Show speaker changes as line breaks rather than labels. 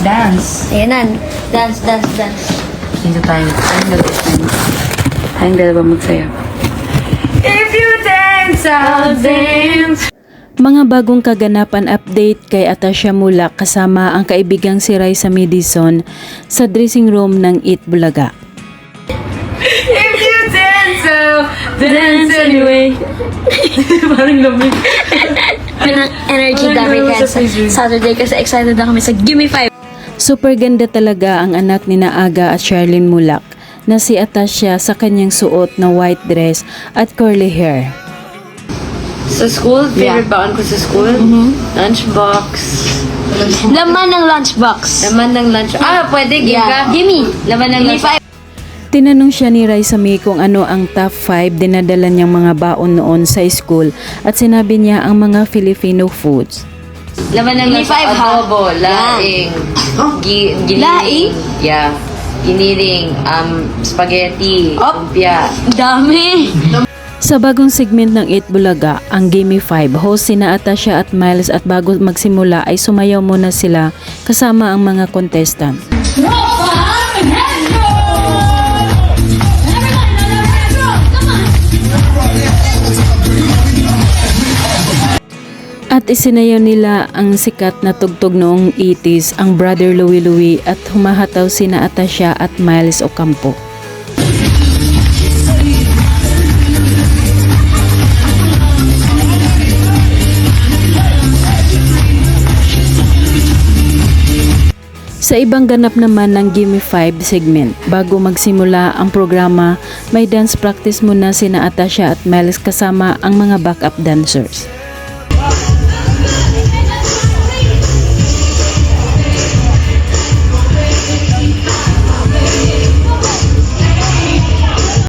Dance.
Ayan na. Dance, dance, dance.
Dito tayo. Tayong dalawa magsayaw. If you dance, I'll dance.
Mga bagong kaganapan update kay Atasha Mulak kasama ang kaibigang si Raisa Madison sa dressing room ng Eat Bulaga.
If you dance, I'll dance anyway. Parang lamig.
Pinang energy dami kaya sa Saturday kasi excited na kami sa Gimme 5.
Super ganda talaga ang anak ni Aga at Charlene Mulak na si Atasha sa kanyang suot na white dress at curly hair.
Sa school, favorite baon ko sa school, lunchbox.
Laman ng lunchbox.
Laman ng lunch. Pwede, give ka.
Gimme.
Laman ng
Gimme
lunch.
5.
Tinanong siya ni Raisa May kung ano ang top 5 dinadala niyang mga baon noon sa school at sinabi niya ang mga Filipino foods.
Laman ng
Gimme
lunch.
5, ha?
Adobo, laing. Giniling.
Laing?
Yeah. Giniling, spaghetti, lumpia.
Dami.
Sa bagong segment ng Eat Bulaga, ang Gimme 5, host sina Atasha at Miles at bago magsimula ay sumayaw muna sila kasama ang mga contestant. At isinayaw nila ang sikat na tugtog noong 80s, ang Brother Louie Louie at humahataw sina Atasha at Miles Ocampo. Sa ibang ganap naman ng Gimme 5 segment, bago magsimula ang programa, may dance practice muna sina Atasha at Miles kasama ang mga backup dancers.